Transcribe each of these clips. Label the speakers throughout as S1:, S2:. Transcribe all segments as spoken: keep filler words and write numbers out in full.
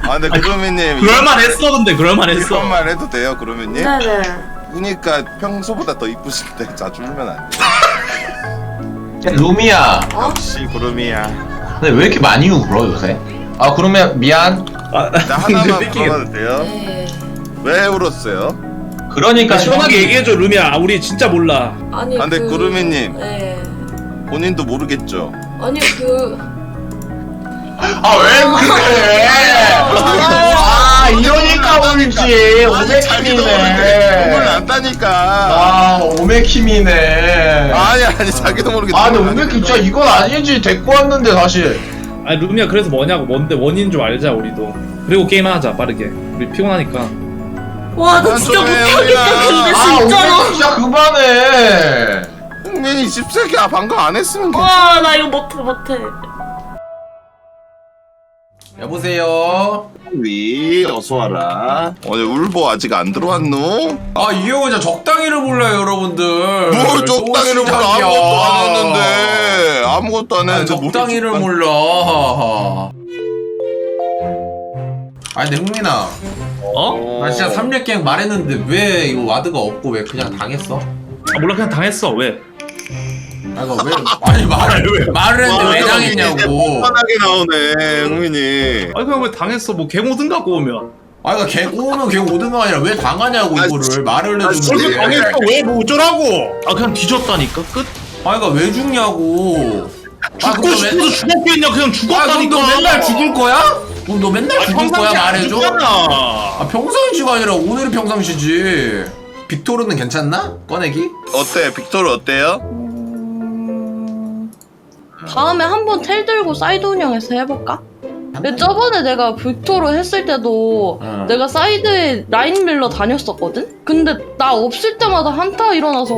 S1: 아 근데 구름이님
S2: 그럴만했어. 근데 그럴만했어.
S1: 이런 말 해도 돼요 구름이님?
S3: 네네.
S1: 그니까 평소보다 더 이쁘신데 자주 울면 안 돼.
S4: 야, 루미야.
S3: 어?
S1: 역시 구름이야.
S4: 근데 왜 이렇게 많이 울어 요새? 아 그러면 미안.
S2: 아,
S1: 나 하나만
S2: 뺏기겠다.
S1: 물어봐도 돼요?
S3: 네.
S1: 왜 울었어요?
S4: 그러니까
S2: 시원하게 얘기해줘 루미야. 우리 진짜 몰라.
S3: 아니
S1: 아, 근데
S3: 그...
S1: 구름이님.
S3: 네.
S1: 본인도 모르겠죠?
S3: 아니 그...
S4: 아왜 그래? 아 이러니까 울지. 오메킴이네.
S1: 눈물 난다니까.
S4: 아 오메킴이네.
S1: 아니 아니 자기도 모르게.
S4: 아 근데 오메킴 진짜 이건 아니지. 데리고 왔는데 사실.
S2: 아니 루미야 그래서 뭐냐고. 뭔데 원인 좀 알자 우리도. 그리고 게임하자 빠르게. 우리 피곤하니까.
S3: 와 나
S1: 그만
S3: 진짜
S1: 좀 해요,
S3: 못하겠다 근데
S4: 아
S3: 진짜로.
S4: 오메킴 진짜 그만해.
S1: 흥민이 십세기야 방금 안 했으면 괜찮아.
S3: 와 나 이거 못해 못해.
S4: 여보세요.
S1: 위 어서 와라. 오늘 울보 아직 안 들어왔노?
S4: 아 이 형은 진짜 적당히를 몰라요 여러분들.
S1: 뭘 적당히를 몰라. 아무것도 안 했는데 아무것도 안
S4: 아,
S1: 했는데
S4: 적당히를
S1: 뭘
S4: 몰라. 아 근데 흥민아,
S2: 어?
S4: 나 진짜 삼 렙 갱 말했는데 왜 이거 와드가 없고 왜 그냥 당했어?
S2: 아 몰라 그냥 당했어. 왜?
S4: 아 이거 왜 아니 말을 왜 말을 했는데 왜 당했냐고.
S1: 뻔하게 나오네 흥민이.
S2: 아니 그냥 왜 당했어. 뭐 개모든 갖고 오면.
S4: 아 이거 걔 꼬우면 걔 오든가 아니라 왜 당하냐고
S1: 아,
S4: 이거를 말을
S1: 아,
S4: 해주는데.
S1: 당했어.
S2: 왜 뭐 어쩌라고? 아 그냥 뒤졌다니까 끝.
S4: 아 이거 왜 죽냐고. 아,
S2: 죽고 싶어서 죽었겠냐. 그냥
S4: 아 그럼
S2: 죽었다니까.
S4: 너 맨날 죽을 거야? 그럼 너 맨날 죽을 거야 말해줘.
S2: 아
S4: 아 평상시가 아니라 오늘이 평상시지. 빅토르는 괜찮나? 꺼내기?
S1: 어때 빅토르 어때요?
S3: 다음에 한번 텔 들고 사이드 운영해서 해볼까? 근데 저번에 내가 빅토르 했을 때도
S4: 응.
S3: 내가 사이드에 라인 밀러 다녔었거든? 근데 나 없을 때마다 한타 일어나서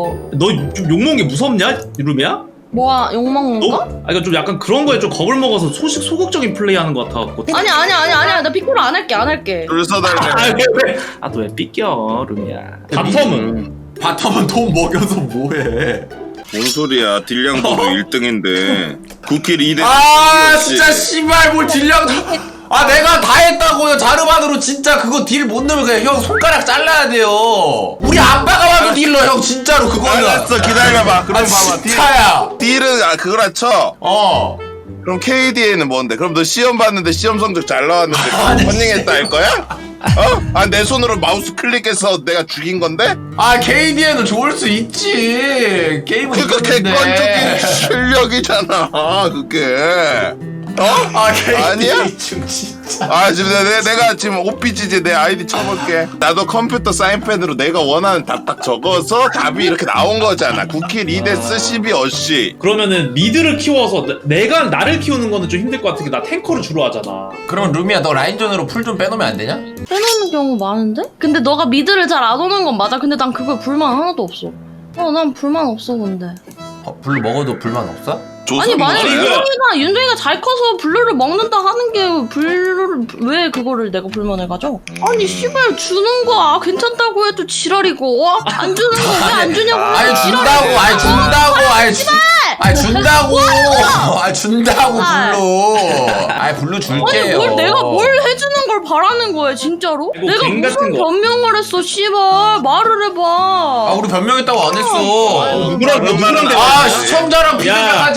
S2: 너좀 욕먹는 게 무섭냐 루미야?
S3: 뭐야 욕먹는
S2: 너?
S3: 거?
S2: 아 이거 좀 약간 그런 거에 좀 겁을 먹어서 소식 소극적인 플레이하는 것 같아갖고.
S3: 아니 아니 아니 아니 나 빅토르 안 할게 안 할게.
S1: 줄 서달래.
S2: 아왜 왜? 아너 왜 삐껴 루미야? 바텀은
S4: 바텀은 돈 먹여서 뭐해.
S1: 뭔 소리야 딜량도로 일 등인데 구 킬 이 대
S4: 아 진짜 씨발 뭘 딜량 아 내가 다 했다고요. 자르반으로 진짜 그거 딜 못 넣으면 그냥 형 손가락 잘라야 돼요. 우리 아빠가 봐도 딜러 형 진짜로 그거는.
S1: 알았어 기다려봐. 그럼
S4: 아
S1: 봐봐
S4: 진짜야.
S1: 딜, 딜은 아 그거라 쳐.
S4: 어.
S1: 그럼 케이디에이는 뭔데? 그럼 너 시험 봤는데 시험 성적 잘 나왔는데 컨닝했다 할 거야? 어? 아 내 손으로 마우스 클릭해서 내가 죽인 건데?
S4: 아 케이디에는 좋을 수 있지. 게임은
S1: 그거
S4: 이겼는데.
S1: 객관적인 실력이잖아 그게. 어?
S4: 아 케이디에이
S1: 아니야?
S4: 중 진짜.
S1: 아 지금 내, 내가 지금 오피지지 내 아이디 쳐볼게. 나도 컴퓨터 사인펜으로 내가 원하는 답 딱 적어서 답이 이렇게 나온 거잖아. 구 킬 이 데스 십이 어시.
S2: 그러면은 미드를 키워서 내- 내가 나를 키우는 거는 좀 힘들 것 같은 게 나 탱커를 주로 하잖아.
S4: 그러면 루미야 너 라인전으로 풀 좀 빼놓으면 안 되냐?
S3: 빼놓는 경우 많은데? 근데 너가 미드를 잘 안 오는 건 맞아. 근데 난 그거에 불만 하나도 없어. 어 난 불만 없어 근데.
S4: 어, 블루 먹어도 불만 없어?
S3: 아니 만약
S2: 이거-
S3: 윤종이가 윤종이가 잘 커서 블루를 먹는다 하는 게 블루를 왜 그거를 내가 불만을 가져? 아니 씨발 주는 거 아, 괜찮다고 해도 지랄이고 어? 안 주는 거 왜 안 주냐고
S4: 아니
S3: 지랄이고.
S4: 준다고 아니 준다고 아니 주, 아니 준다고 아니 준다고
S3: 아.
S4: 블루 아니 블루
S3: 아니
S4: 줄게요.
S3: 뭘 내가 뭘 해주는 걸 바라는 거야 진짜로?
S2: 이거
S3: 내가
S2: 갱
S3: 무슨
S2: 같은 거.
S3: 변명을 했어 씨발 말을 해봐.
S4: 아 우리 변명했다고 안 했어.
S2: 누구랑 너 누구랑
S4: 아
S2: 대화해?
S4: 시청자랑 비교하지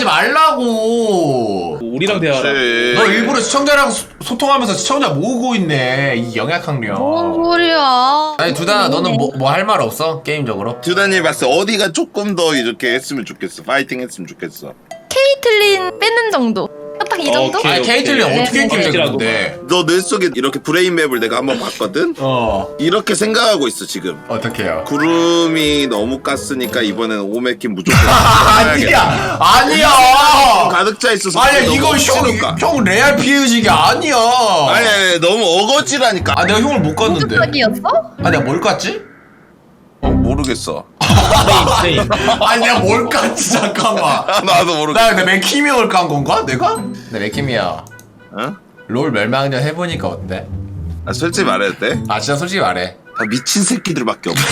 S4: 말라고.
S2: 우리랑 대화라.
S4: 너 일부러 시청자랑 소, 소통하면서 시청자 모으고 있네 이 영약학령.
S3: 뭔 소리야?
S4: 아니 두단아 너는 뭐 뭐 할 말 없어 게임적으로?
S1: 듀단이 봤을 때 어디가 조금 더 이렇게 했으면 좋겠어. 파이팅 했으면 좋겠어.
S5: 케이틀린 빼는 정도. 딱 이 정도?
S2: 오케이,
S4: 아니
S2: 오케이.
S4: 케이틀린
S3: 네,
S4: 어떻게
S3: 네,
S4: 했길래
S2: 네.
S4: 근데?
S1: 너 뇌 속에 이렇게 브레인 맵을 내가 한번 봤거든?
S4: 어
S1: 이렇게 생각하고 있어 지금.
S4: 어떻게요?
S1: 구름이 너무 깠으니까 이번에는 오메킨 무조건
S4: 아니야 아니야.
S1: 가득 차 있어서
S4: 아니야
S1: 너무
S4: 이거
S1: 억지로가.
S4: 형, 형 레알 피해의식이 아니야.
S1: 아니, 아니 너무 어거지라니까.
S4: 아 내가 형을 못 갔는데.
S5: 깜짝이었어?
S4: 아 내가 뭘 깠지?
S1: 어, 모르겠어.
S2: 세임, 세임.
S4: 아니 내가 뭘 깠지 잠깐만.
S1: 아, 나도 모르겠어.
S4: 나 근데 맥키미어를 깐 건가 내가? 네 맥키미어
S1: 어?
S4: 롤 멸망전 해보니까 어때?
S1: 아, 솔직히 말해도 돼?
S4: 아 진짜 솔직히 말해.
S1: 다 미친 새끼들밖에 없어.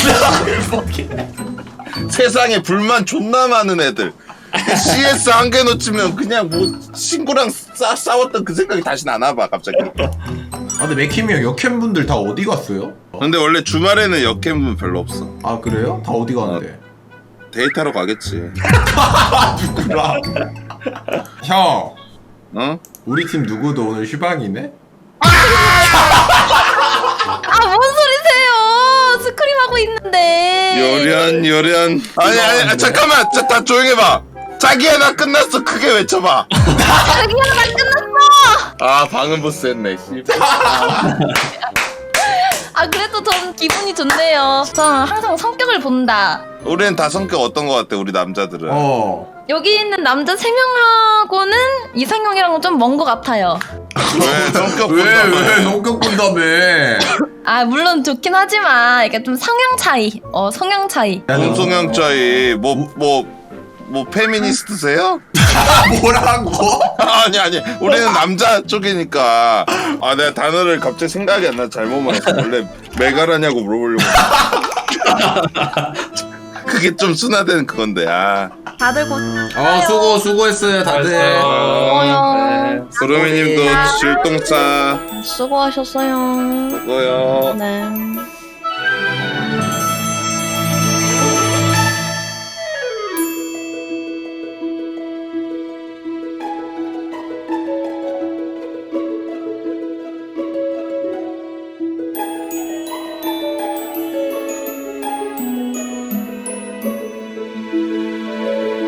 S1: 세상에 불만 존나 많은 애들. 씨에스 한 개 놓치면 그냥 뭐 친구랑 싸, 싸웠던 그 생각이 다시 안 와봐 갑자기.
S4: 아 근데 맥힘이 형 역캠 분들 다 어디 갔어요?
S1: 근데 원래 주말에는 역캠분 별로 없어.
S4: 아 그래요? 다 어디 가는데?
S1: 데이트하러 가겠지.
S4: 누구라? 형
S1: 어?
S4: 우리 팀 누구도 오늘 휴방이네?
S5: 아 뭔 소리세요? 스크림 하고 있는데.
S1: 요련 요련. 아니 아니 아, 잠깐만. 자, 다 조용해봐. 자기야 나 끝났어. 크게 외쳐봐.
S5: 자기야 나 끝났어.
S1: 아 방음 보스 했네. 씨.
S5: 아 그래도 전 기분이 좋네요. 전 항상 성격을 본다.
S1: 우리는 다 성격 어떤 거 같아? 우리 남자들은.
S4: 어
S5: 여기 있는 남자 세 명하고는 이상형이랑은 좀 먼 것 같아요.
S1: 왜 성격
S4: 왜
S1: 본다며.
S4: 왜 성격 본다며?
S5: 아 물론 좋긴 하지만 이게 좀 성향 차이. 어 성향 차이.
S1: 동성형 차이 뭐뭐 뭐 페미니스트세요?
S4: 뭐라고?
S1: 아니 아니 우리는 남자 쪽이니까 아 내가 단어를 갑자기 생각이 안 나 잘못 말했어. 원래 메가라냐고 물어보려고. 그게 좀 순화된 그건데 아.
S5: 다들 고.
S4: 어 수고 수고했어요 다들.
S5: 고마워요.
S2: 네.
S1: 소름이님도 질동사
S3: 수고하셨어요.
S1: 수고요.
S3: 네.